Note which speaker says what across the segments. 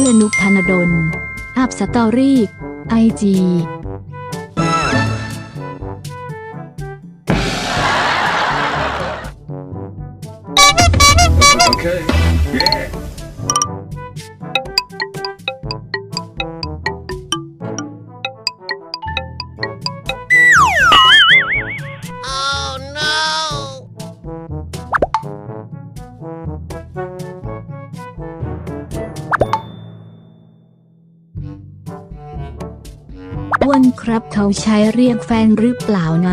Speaker 1: อนุกธนดลอัพสตอรี่ไอจี
Speaker 2: Okay. Yeah.
Speaker 3: Oh no
Speaker 1: อ้วนครับเขาใช้เรียกแฟนหรือเปล่านะ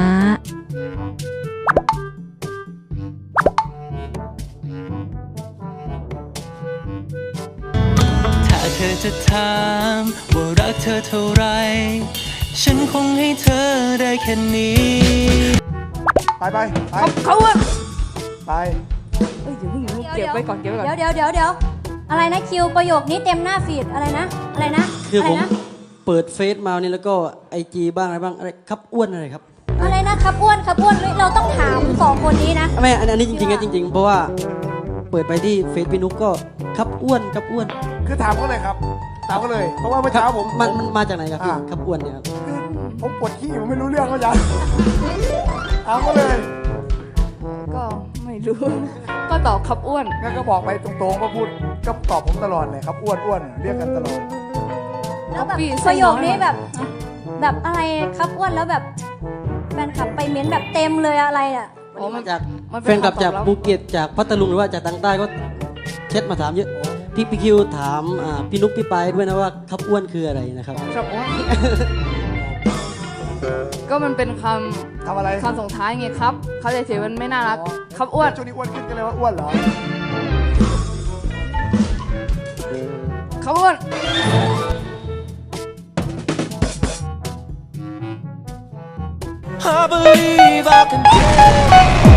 Speaker 4: ถ้าเธอจะถามว่ารักเธอเท่าไรฉันคงให้เธอได้แค่นี้
Speaker 5: ไป
Speaker 6: เขาอะ
Speaker 5: ไป
Speaker 6: เอ้ยเดี๋ยวเพิ่งเก็บไว้ก่อนเก็บไว้ก่อน
Speaker 7: เดี๋ยวอะไรนะคิวประโยคนี้เต็มหน้าฟีดอะไรนะอะไรนะ
Speaker 8: คือ
Speaker 7: อะไร
Speaker 8: ผม
Speaker 7: นะ
Speaker 8: เปิดเฟซมานี่แล้วก็ไอจีบ้างอะไรบ้างอะไรครับอ้วนอะไรครับ
Speaker 7: อะไรนะครับอ้วนครับอ้วนเฮ้ยเราต้องถามสองคนนี้นะ
Speaker 8: ไม่อันนี้จริงๆนะจริงๆเพราะว่าเปิดไปที่เฟซพี่นุ๊กก็ครับอ้วนครับอ้วน
Speaker 5: คือถามเขาเลยครับถามเขาเลย เพราะว่าเมื่อเช้าผม
Speaker 8: มันมาจากไหนครับพี่
Speaker 5: อ่า
Speaker 8: ครับอ้วนเนี่ยครับ
Speaker 5: คือผมปวดขี้ผมไม่รู้เรื่องเขาจะถามเขาเลย
Speaker 6: ก็ไม่รู้ ก็ตอบครับอ้วน
Speaker 5: งั้นก็บอกไปตรงๆก็พูดก็ตอบผมตลอดเลยครับอ้วนเรียกกันตลอด
Speaker 7: แล้วแบบ
Speaker 6: พี่
Speaker 7: ประโยคนี้แบบอะไรครับอ้วนแล้วแบบแฟนคลับไปเม้นแบบเต็มเลยอะไรอ่ะ
Speaker 6: อ๋อมัน
Speaker 8: จาก
Speaker 6: มันเป็น
Speaker 8: แฟนคลับจาก
Speaker 6: คำตอบรับ
Speaker 8: ภูเก็ตจากพัทลุงหรือว่าจากทางใต้ก็เช็ดมาถามเยอะพี่คิวถามพี่นุ๊กพี่ปายด้วยนะว่าครับอ้วนคืออะไรนะครับ
Speaker 6: ครับอ้วน ก็มันเป็นค
Speaker 5: ทำอะไร
Speaker 6: ำส่งท้ายไงครับ เขาใจเฉยๆมันไม่น่ารัก ครับอ้วน
Speaker 5: ช่วงนี้อ้วนขึ้นกันเลยว่าอ้วนเหรอ
Speaker 6: ครับอ้วน
Speaker 4: I believe I can